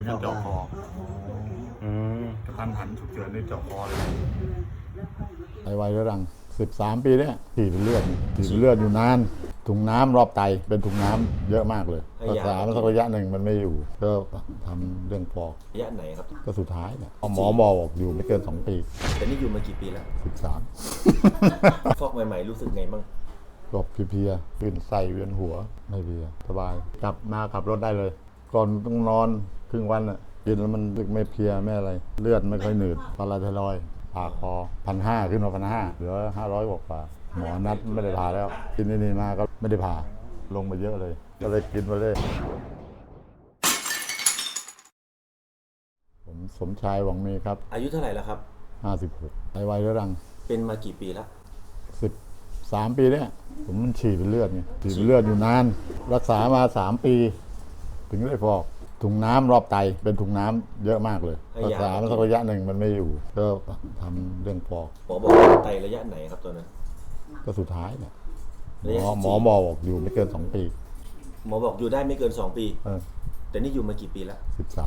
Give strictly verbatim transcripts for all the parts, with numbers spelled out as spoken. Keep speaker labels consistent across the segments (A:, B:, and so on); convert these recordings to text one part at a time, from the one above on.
A: งั้นเจาะคอ
B: อืม
A: กระทันหันฉุกเฉินในเจาะคอเลย
C: ไตวายเรื้อรังสิบสามปีเนี่ยฉีดเป็นเลือดฉีดเป็นเลือดอยู่นานถุงน้ำรอบไตเป็นถุงน้ำเยอะมากเลยรักษามาสักระยะหนึ่งมันไม่อยู่ก็ทำเรื่องฟอก
D: ระยะไหนครับ
C: ก็สุดท้ายเนี่ยหมอบอกอยู่ไม่เกินสองปี
D: แต่นี่อยู่มากี่ปีแล้ว
C: สิบสาม
D: ฟอกใหม่ๆรู้สึกไงบ้าง
C: ก็เพลียๆขึ้นไส้เวียนหัวไม่เพลียสบายกลับมาขับรถได้เลย ก่อนต้องนอนครึ่งวันอ่ะกินแล้วมันรู้สึกไม่เพลียไม่อะไร เลือดไม่ค่อยหนืดพาราไทรอยด์ผ่าคอพันห้าขึ้นมาพันห้าเหลือห้าร้อยกว่าหมอนัดไม่ได้ผ่าแล้ว กินนี่มาก็ไม่ได้ผ่าลงมาเยอะเลย ก็เลยกินไปเลยผมสมชายหวังมีครับ
D: อายุเท่าไหร่แล้วครับ
C: ห้าสิบหกไตวายเรื้อรัง
D: เป็นมากี่ปีแล้ว
C: สิบสามปีเนี่ยผมมันฉีดเป็นเลือดไงฉีดเป็นเลือดอยู่นาน รักษามาสามปี ถึงได้ฟอกถุงน้ำรอบไตเป็นถุงน้ำเยอะมากเลยรักษามาสักระยะหนึ่งมันไม่อยู่ก็ทำเรื่องฟอก
D: หมอบอกว่าไตระยะไหนครับตอนนั้น
C: ก็สุดท้ายเนี่ยหม
D: ระยะ
C: อ
D: ที่
C: หมอบอกอยู่ไม่เกินสองปี
D: หมอบอกอยู่ได้ไม่เกินสองปี
C: เออ
D: แต่นี่อยู่มากี่ปีแล้ว
C: สิบสาม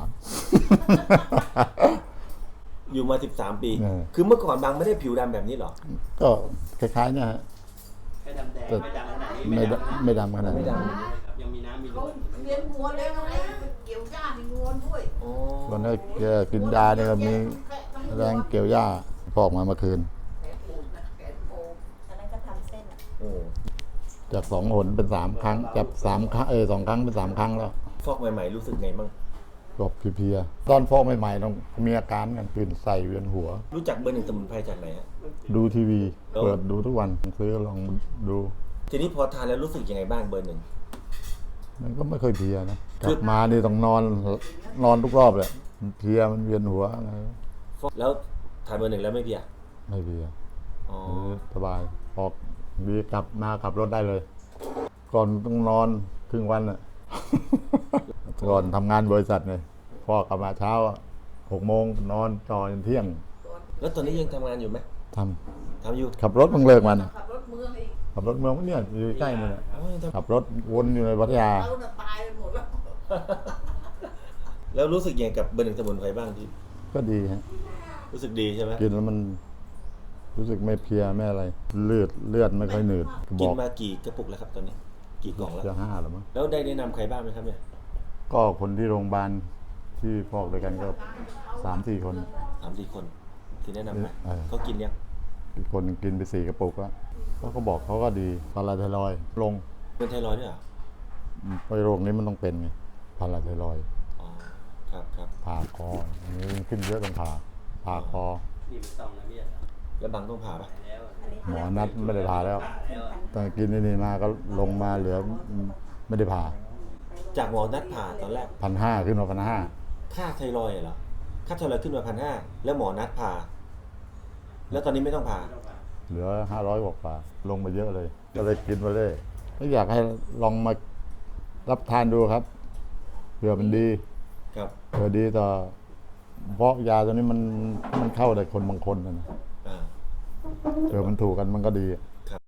D: อยู่มาสิบสามปี
C: เออ
D: คือเมื่อก่อนบางไม่ได้ผิวดำแบบนี้หรอ
C: ก็คล้ายๆเนี่ยฮะ
E: ไม่ดำแดง
C: แต่
E: ไม่ดำขนาดนี้
C: ไม่ดำไม่ดำขนาด
D: ไม่
C: นี้
D: ด
E: ครับยังมีน้ำมีน
F: เขา
E: วล
F: เลี้ยงวัวเลี้ยงอะไรเกี่ยวหญ้าในวัวด้วย
D: อ๋อ
C: ตอนนี้แกกินยาเนี่ยก็มีแรงเกี่ยวหญ้าฟอกมาเมื่อคืน
F: แขนปูดนะแขนปูด
G: อันนั้นก็ทำเส้นอะ
D: โอ้
C: จากสองหนเป็นสามครั้งจากสามครั้งเออสองครั้งเป็นสามครั้งแล้ว
D: ฟอกใหม่ๆรู้สึกไงบ้าง
C: ก็เพลียๆตอนฟอกใหม่ๆต้องมีอาการกันขึ้นไส้เวียนหัว
D: รู้จักเบอร์หนึ่งสมุนไพรจากไหนฮะ
C: ดูทีวี
D: แล้ว
C: เปิดดูทุกวันซื้อลองดู
D: ทีนี้พอทานแล้วรู้สึกยังไงบ้างเบอร์หนึ่ง
C: มันก็ไม่ค่อยเพลียนะก
D: คื
C: ลั
D: อ
C: บมานี่ต้องนอนนอนทุกรอบเลยมันเพลียมันเวียนหัวอะไร
D: ฟอกแล้วทานเบอร์หนึ่งแล้วไม่เพลีย
C: ไม่เพลีย
D: อ๋อ
C: เออสบายออกดีกลับมาขับรถได้เลย ก่อนต้องนอนครึ่งวันอ่ะ ก่อนทำงานบริษัทเลยพอกลับมาเช้าอะหกโมงนอนจอจนเที่ยง
D: แล้วตอนนี้ยังทำงานอยู่ไหม
C: ท
D: ทำอยู่
C: ำขับรถมึงเลิกมัน
F: ขับรถเมืองอีก
C: ขับรถเมืองเนี่ยอยู่ใกล้นี่แหละ
D: อ๋อยังทำ
C: ขับรถวนอยู่ในพัทยา
F: เราน่ะตายไปหมดแล้ว
D: แล้วรู้สึกยังไงกับเบอร์หนึ่งสมุนไพรบ้างที่
C: ก็ดีฮะ
D: รู้สึกดีใช่ไหม
C: กินแล้วมันรู้สึกไม่เพลียไม่อะไร เลือดเลือดไม่ค่อยหนืดบ
D: กิน
C: อก
D: มากี่กระปุกแล้วครับตอนนี้ กี่กล่องแล้ว
C: จะห้าหรือมั้ง
D: แล้วได้แนะนำใครบ้างไหมครับเนี่ย
C: ก็คนที่โรงพยาบาลที่ฟอกด้วยกันก็สามสี่คน
D: สามสี่คนที่แนะนำไหม
C: เออ
D: เขากินยัง
C: อีกคนกินไปสี่กระปุกแล้วเขาก็บอกเขาก็ดีพาราไทรอยด์ลง
D: เป็นไทรอยด์ด้วยเหรอ
C: ไปโรคนี้มันต้องเป็นไงพาราไทรอยด์
D: อ๋อครับครับ
C: ผ่าคอนี่ขึ้นเยอะตรงผ่าผ่าคอ
E: นี่ไม่ต้องนะพี่อะ
D: แล้วบางต้องผ่าปะ
E: แล้วอะ
G: อันนี้
C: หมอนัดไม่ได้ผ่าแล้ว
E: แล้วอะ
C: แต่กินนี่มาก็ลงมาเหลือไม่ได้ผ่า
D: จากหมอนัดผ่าตอนแรก
C: พันห้าขึ้นมาพันห้า
D: ค่าไทรอยด์เหรอค่าไทรอยด์ขึ้นมาพันห้าแล้วหมอนัดผ่า แล้วตอนนี้ไม่ต้องผ่า
C: เหลือห้าร้อยกว่าลงมาเยอะเลย ก็เลยกินไปเลยก็อยากให้ลองมารับทานดูครับเผื่อมันดี
D: ครับ
C: เผื่อดีต่อเพราะยาตัวนี้มันมันเข้าแต่คนบางคนนะ
D: อ่า
C: เผื่อมันถูกกันมันก็ดี
D: ครับ